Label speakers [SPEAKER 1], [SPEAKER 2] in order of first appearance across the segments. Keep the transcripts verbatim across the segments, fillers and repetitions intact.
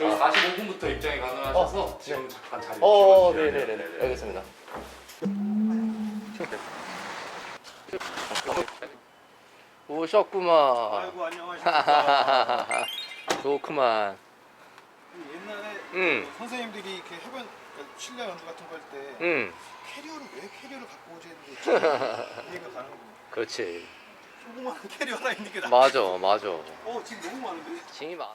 [SPEAKER 1] 저기 사십오 분부터 입장이 가능하셔서
[SPEAKER 2] 어,
[SPEAKER 1] 지금 잠깐 자리
[SPEAKER 2] 어,
[SPEAKER 1] 비워주셔야
[SPEAKER 2] 네네네.
[SPEAKER 1] 돼요.
[SPEAKER 2] 알겠습니다. 오셨구만.
[SPEAKER 3] 아이고 안녕하십니까.
[SPEAKER 2] 좋구만.
[SPEAKER 3] 옛날에
[SPEAKER 2] 응.
[SPEAKER 3] 그 선생님들이 이렇게 해변 그러니까 실내 연주 같은 거 할 때
[SPEAKER 2] 응.
[SPEAKER 3] 캐리어를 왜 캐리어를 갖고 오지 했는데 지금 이해가 가는군요.
[SPEAKER 2] 그렇지.
[SPEAKER 3] 조그마한 캐리어 하나 있는 게 나.
[SPEAKER 2] 맞아, 맞아.
[SPEAKER 3] 어 지금 너무 많은데.
[SPEAKER 2] 짐이 많아.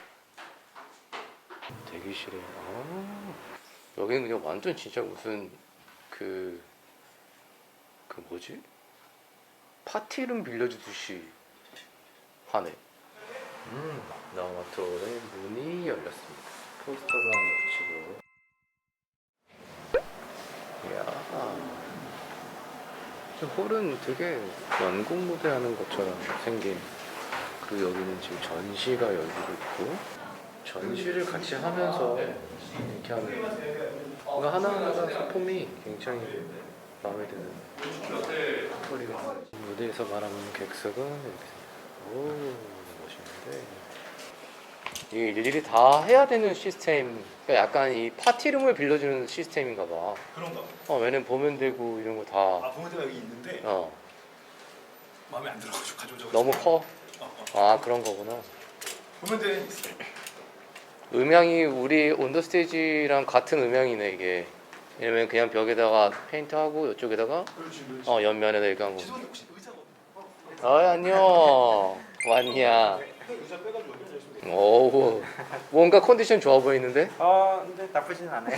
[SPEAKER 2] 대기실에. 아, 여기는 그냥 완전 진짜 무슨 그, 그 뭐지? 파티룸 빌려주듯이 하네. 음, 나마토의 문이 열렸습니다. 포스터도 하나 붙이고. 이야. 저 홀은 되게 연극 무대 하는 것처럼 생긴. 그리고 여기는 지금 전시가 열리고 있고, 전시를 같이 하면서 이렇게 하는 뭔가 하나하나가 소품이 굉장히 마음에 드는 홀이가. 무대에서 바라보는 객석은 이렇게 생겼어요. 오, 멋있는데 이게 일일이 다 해야 되는 시스템. 그러니까 약간 이 파티룸을 빌려주는 시스템인가 봐.
[SPEAKER 3] 그런가 봐.
[SPEAKER 2] 어, 왜냐면 보면 되고 이런 거 다.
[SPEAKER 3] 아 보면대가 여기 있는데
[SPEAKER 2] 어,
[SPEAKER 3] 마음에 안 들어가지고 가져오자고.
[SPEAKER 2] 너무
[SPEAKER 3] 했어요.
[SPEAKER 2] 커.
[SPEAKER 3] 어, 어.
[SPEAKER 2] 아, 그런 거구나.
[SPEAKER 3] 보면대는 있어.
[SPEAKER 2] 음향이 우리 온더스테이지랑 같은 음향이네 이게. 왜냐면 그냥 벽에다가 페인트하고 이쪽에다가
[SPEAKER 3] 그렇지 그렇지.
[SPEAKER 2] 어 옆면에다 이렇게 한 거.
[SPEAKER 3] 죄송한데 혹시 의자가 어디?
[SPEAKER 2] 어, 안녕. 왔냐?
[SPEAKER 3] 의자 빼가지고 여기 앉아있으면 돼.
[SPEAKER 2] 오우, 뭔가 컨디션 좋아 보이는데?
[SPEAKER 4] 어, 근데 나쁘지는 않아요.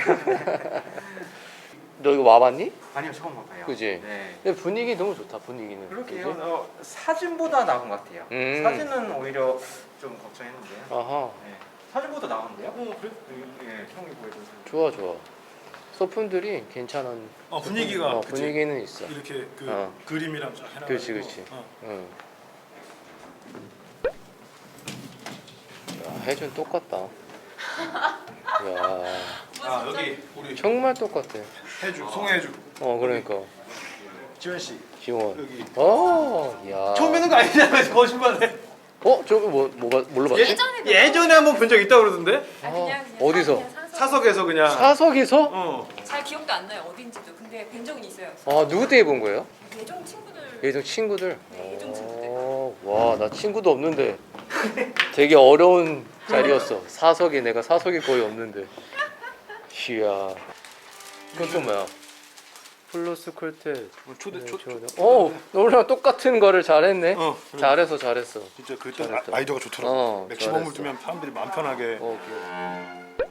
[SPEAKER 2] 너 이거 와봤니?
[SPEAKER 4] 아니요, 처음 와봐요.
[SPEAKER 2] 그지?
[SPEAKER 4] 네.
[SPEAKER 2] 근데 분위기 너무 좋다, 분위기는.
[SPEAKER 4] 그렇게요.
[SPEAKER 2] 그지?
[SPEAKER 4] 어, 사진보다 나은 것 같아요.
[SPEAKER 2] 음.
[SPEAKER 4] 사진은 오히려 좀 걱정했는데요.
[SPEAKER 2] 아하,
[SPEAKER 4] 네. 사진보다 나은데요?
[SPEAKER 3] 어 그래?
[SPEAKER 4] 예, 형이 보여준 사진.
[SPEAKER 2] 좋아, 좋아. 소품들이 괜찮은.
[SPEAKER 3] 어 분위기가
[SPEAKER 2] 어,
[SPEAKER 3] 그치?
[SPEAKER 2] 분위기는 있어.
[SPEAKER 3] 이렇게 그
[SPEAKER 2] 어.
[SPEAKER 3] 그림이랑 쫙 해놔.
[SPEAKER 2] 그렇지, 그렇지.
[SPEAKER 3] 어.
[SPEAKER 2] 응. 야, 해준 똑같다. 야,
[SPEAKER 3] 아 여기 우리
[SPEAKER 2] 정말 똑같아.
[SPEAKER 3] 해주 송해주
[SPEAKER 2] 어, 그러니까.
[SPEAKER 3] 지원 씨
[SPEAKER 2] 지원.
[SPEAKER 3] 여기.
[SPEAKER 2] 어, 야.
[SPEAKER 3] 처음 뵙는 거 아니잖아요. 거짓말해.
[SPEAKER 2] 어, 저거 뭐, 뭐가, 뭘로 봤지?
[SPEAKER 5] 예전에
[SPEAKER 3] 예전에 한번 본 적 있다고 그러던데?
[SPEAKER 5] 아, 그냥, 그냥
[SPEAKER 2] 어디서?
[SPEAKER 5] 그냥 사서
[SPEAKER 3] 사석에서 그냥.
[SPEAKER 2] 사석에서?
[SPEAKER 3] 어.
[SPEAKER 5] 잘 기억도 안 나요 어딘지도. 근데 뵌 적은 있어요.
[SPEAKER 2] 아, 누구 때문에 본 거예요?
[SPEAKER 5] 예전 친구들.
[SPEAKER 2] 예전 친구들?
[SPEAKER 5] 네, 예전 친구들.
[SPEAKER 2] 어, 와, 나 친구도 없는데 되게 어려운 자리였어. 사석이, 내가 사석이 거의 없는데. 이야. 그건 또 뭐야? 플러스 콜테.
[SPEAKER 3] 초대 초.
[SPEAKER 2] 어, 너랑 똑같은 거를 잘했네.
[SPEAKER 3] 어. 그래.
[SPEAKER 2] 잘했어, 잘했어.
[SPEAKER 3] 진짜 그때
[SPEAKER 2] 잘했다.
[SPEAKER 3] 아, 아이디어가 좋더라고.
[SPEAKER 2] 어,
[SPEAKER 3] 맥시멈을
[SPEAKER 2] 잘했어.
[SPEAKER 3] 두면 사람들이 마음 편하게.
[SPEAKER 2] 어, 그래.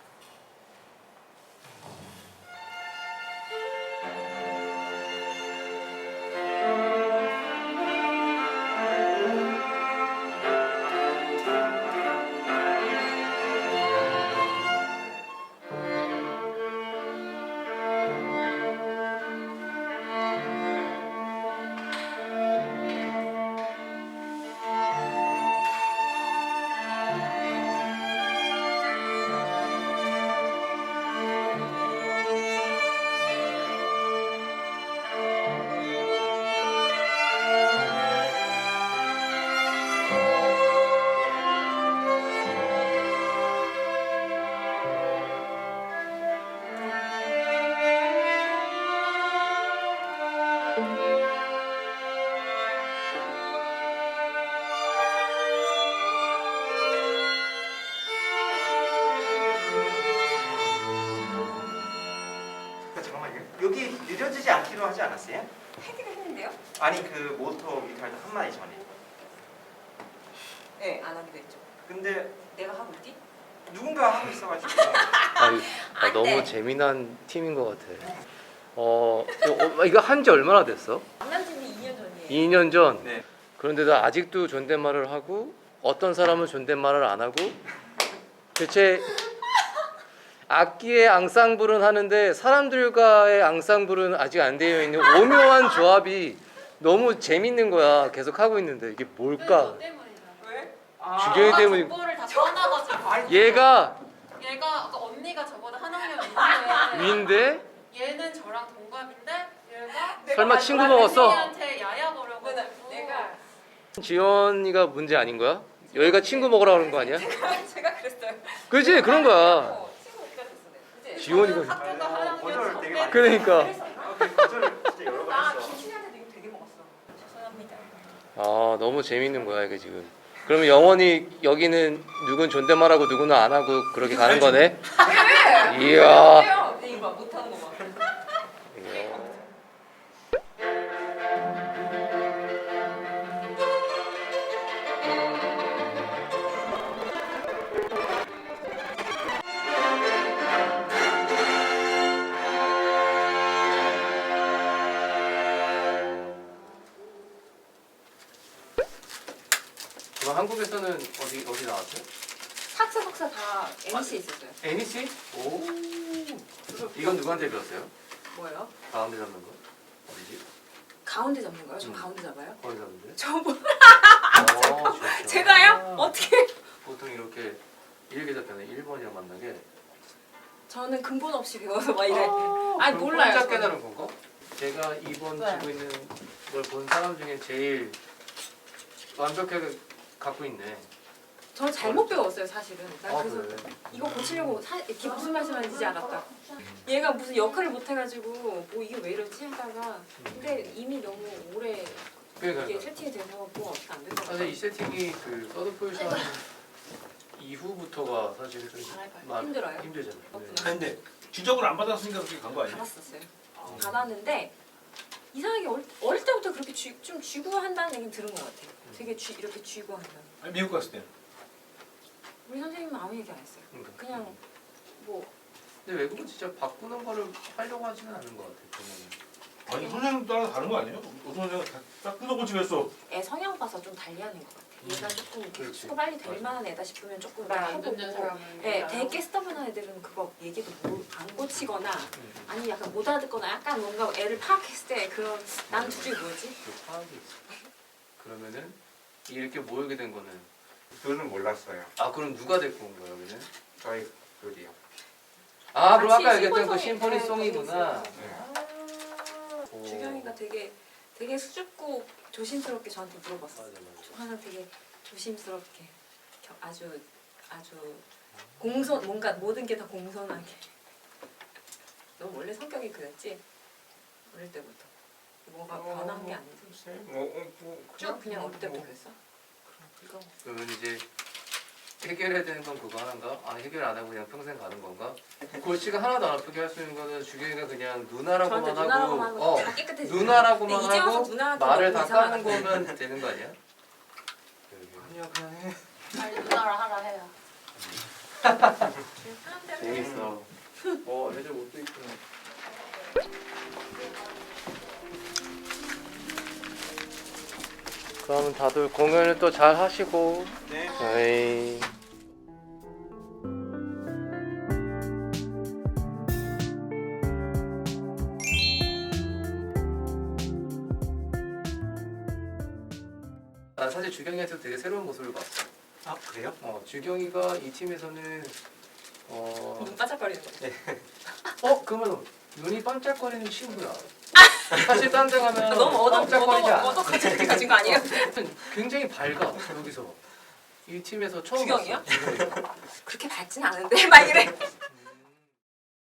[SPEAKER 4] 잠깐만요. 여기 느려지지 않기로 하지 않았어요?
[SPEAKER 5] 하기는 했는데요?
[SPEAKER 4] 아니 그 모터 기타에서 한 마디 전에.
[SPEAKER 5] 네, 안 하기로 했죠.
[SPEAKER 4] 근데
[SPEAKER 5] 내가 하고 있디?
[SPEAKER 4] 누군가 하고 있어가지고.
[SPEAKER 2] 아, 이- 아,
[SPEAKER 5] 안
[SPEAKER 2] 너무
[SPEAKER 5] 돼.
[SPEAKER 2] 재미난 팀인 것 같아. 어, 어, 이거 한 지 얼마나 됐어?
[SPEAKER 5] 만난 지는 이 년 전이에요.
[SPEAKER 2] 이 년 전.
[SPEAKER 4] 네.
[SPEAKER 2] 그런데도 아직도 존댓말을 하고 어떤 사람은 존댓말을 안 하고 대체 악기의 앙상블은 하는데 사람들과의 앙상블은 아직 안 되어 있는 오묘한 조합이 너무 재밌는 거야. 계속 하고 있는데 이게 뭘까?
[SPEAKER 5] 왜?
[SPEAKER 2] 주경이 때문에
[SPEAKER 6] 정보를 다 떠나가지고
[SPEAKER 2] 얘가
[SPEAKER 6] 얘가 아까 언니가 저보다 한 학년 위인데
[SPEAKER 2] 위인데
[SPEAKER 6] 얘는 저랑 동갑인데 얘가
[SPEAKER 2] 설마 친구 먹었어?
[SPEAKER 6] 언니한테 야야 거려가지고
[SPEAKER 5] 내가
[SPEAKER 2] 지연이가 문제 아닌 거야? 여기가 친구 먹으라 그런 거 아니야?
[SPEAKER 5] 제가 제가 그랬어요.
[SPEAKER 2] 그지 그런 거야.
[SPEAKER 5] 어, 친구 어디가 됐어? 그치?
[SPEAKER 2] 지원이가-
[SPEAKER 5] 학교가 하나면
[SPEAKER 4] 거절 되게 많이
[SPEAKER 2] 그러니까.
[SPEAKER 4] 아, 그 거절을 진짜 여러 번
[SPEAKER 5] 나
[SPEAKER 4] 했어.
[SPEAKER 5] 김치한테 이거 되게 먹었어. 죄송합니다.
[SPEAKER 2] 아 너무 재밌는 거야 이게 지금. 그러면 영원히 여기는 누군 존댓말하고 누구는 안 하고 그렇게 가는 거네. 이야.
[SPEAKER 5] 어때요? 근데 이거 봐, 못하는 거 봐.
[SPEAKER 2] 이야. 그럼 한국에서는 어디 어디 나왔어요?
[SPEAKER 5] 학사 석사 다 엠씨 있었어요.
[SPEAKER 2] 애니씨? 오. 이건 누구한테 배웠어요?
[SPEAKER 5] 뭐예요?
[SPEAKER 2] 가운데 잡는 거? 어디지?
[SPEAKER 5] 가운데 잡는 거요? 저
[SPEAKER 2] 음.
[SPEAKER 5] 가운데 잡아요?
[SPEAKER 2] 거기 잡는데?
[SPEAKER 5] 저 뭐?
[SPEAKER 2] 어, 진짜.
[SPEAKER 5] 제가요? 어떻게?
[SPEAKER 2] 보통 이렇게 일개 잡혀는 일 번이랑 만나게.
[SPEAKER 5] 저는 근본 없이 배워서 막 이래.
[SPEAKER 2] 아,
[SPEAKER 5] 아니
[SPEAKER 2] 그럼
[SPEAKER 5] 몰라요.
[SPEAKER 2] 혼자
[SPEAKER 5] 저는.
[SPEAKER 2] 깨달은 건가? 제가 이번
[SPEAKER 5] 네.
[SPEAKER 2] 쥐고 있는 걸 본 사람 중에 제일 완벽하게 갖고 있네.
[SPEAKER 5] 저 잘못 배웠어요 사실은. 난
[SPEAKER 2] 아
[SPEAKER 5] 그래서
[SPEAKER 2] 그래.
[SPEAKER 5] 이거 고치려고 사, 이렇게 무슨 말씀하는지 알았다. 얘가 무슨 역할을 못 해가지고 뭐 이게 왜 이러지 하다가 근데 이미 너무 오래
[SPEAKER 2] 그러니까
[SPEAKER 5] 이게 세팅이 돼서 뭐 어떻게 안 되더라고요.
[SPEAKER 2] 사실 이 세팅이 그 서드 포지션 이후부터가 사실 좀 마-
[SPEAKER 5] 힘들어요?
[SPEAKER 2] 힘들잖아요.
[SPEAKER 5] 그렇구나.
[SPEAKER 7] 근데 지적을 안 받았으니까 그렇게 간 거 아니에요?
[SPEAKER 5] 받았었어요. 받았는데 이상하게 어릴, 어릴 때부터 그렇게 쥐, 좀 쥐고 한다는 얘기는 들은 것 같아요. 되게 쥐, 이렇게 쥐고 한다.
[SPEAKER 7] 아니, 미국 갔을 때.
[SPEAKER 5] 우리 선생님은 아무 얘기 안 했어요.
[SPEAKER 2] 그러니까.
[SPEAKER 5] 그냥 뭐
[SPEAKER 2] 근데 외국은 진짜 바꾸는 거를 하려고 하지는 않은 것 같아요. 보면은.
[SPEAKER 7] 아니 선생님 따라 다른 거 아니에요? 어떤 선생님 딱 뜯어고치고 했어.
[SPEAKER 5] 애 성향 봐서 좀 달리하는 것 같아요. 얘가 조금 이렇게
[SPEAKER 2] 그렇지.
[SPEAKER 5] 수고 빨리 될
[SPEAKER 2] 맞아.
[SPEAKER 5] 만한 애다 싶으면 조금
[SPEAKER 6] 말안
[SPEAKER 5] 해보고
[SPEAKER 6] 듣는 사람은
[SPEAKER 5] 예, 되게 스터분한 애들은 그거 얘기도 뭐 안 고치거나 아니 약간 못 알아듣거나 약간 뭔가 애를 파악했을 때 그런 난 둘이 뭐지?
[SPEAKER 2] 그 파악이 있어. 그러면은 이렇게 모이게 된 거는
[SPEAKER 8] 그거는 몰랐어요.
[SPEAKER 2] 아 그럼 누가 데리고 온 거야 여기는?
[SPEAKER 8] 저희 둘이요.
[SPEAKER 2] 아 그럼
[SPEAKER 5] 같이
[SPEAKER 2] 아까 얘기했던 그
[SPEAKER 5] 심포니송이-
[SPEAKER 2] 심포니송이구나.
[SPEAKER 8] 네.
[SPEAKER 2] 오.
[SPEAKER 5] 주경이가 되게 되게 수줍고 조심스럽게 저한테 물어봤어.
[SPEAKER 2] 맞아 맞아.
[SPEAKER 5] 항상 되게 조심스럽게 겨- 아주 아주 공손 뭔가 모든 게 다 공손하게. 너 원래 성격이 그랬지? 어릴 때부터 뭔가 변한 게 아니지?
[SPEAKER 8] 뭐, 어, 뭐
[SPEAKER 5] 쭉 그냥
[SPEAKER 8] 뭐,
[SPEAKER 5] 어릴 때부터
[SPEAKER 8] 뭐.
[SPEAKER 5] 그랬어? 이거
[SPEAKER 2] 그러면 이제 해결해야 되는 건 그거 하나인가? 아니 해결 안 하고 그냥 평생 가는 건가? 골치가 하나도 안 아프게 할 수 있는 거는 주경이가 그냥 누나라고만
[SPEAKER 5] 저한테
[SPEAKER 2] 하고
[SPEAKER 5] 누나라고만 하고
[SPEAKER 2] 어
[SPEAKER 5] 다 깨끗해지.
[SPEAKER 2] 누나라고만
[SPEAKER 5] 근데 이제 와서
[SPEAKER 2] 하고
[SPEAKER 5] 누나한테
[SPEAKER 2] 말을
[SPEAKER 5] 너무
[SPEAKER 2] 다
[SPEAKER 5] 이상하다.
[SPEAKER 2] 까는 거면 되는 거 아니야?
[SPEAKER 8] 아니야 그냥 해.
[SPEAKER 6] 빨리 누나랑 하라 해요.
[SPEAKER 2] 재밌어. 어 애들 옷도 입고. 그럼 다들 공연을 또 잘 하시고.
[SPEAKER 4] 네.
[SPEAKER 2] 에이. 난 사실 주경이한테도 되게 새로운 모습을 봤어.
[SPEAKER 4] 아 그래요?
[SPEAKER 2] 어, 주경이가 이 팀에서는 어,
[SPEAKER 5] 눈 반짝거리는 거.
[SPEAKER 2] 어 그러면 눈이 반짝거리는 친구야. 사실 딴 데 가면
[SPEAKER 5] 아, 너무 어둑
[SPEAKER 2] 반짝거리지
[SPEAKER 5] 어둑
[SPEAKER 2] 않아.
[SPEAKER 5] 어둑하게 가진 거 아니에요?
[SPEAKER 2] 굉장히 밝아 여기서 이 팀에서 처음
[SPEAKER 5] 주경이요?
[SPEAKER 2] 봤어, 주경이가.
[SPEAKER 5] 그렇게 밝진 않은데 막 이래.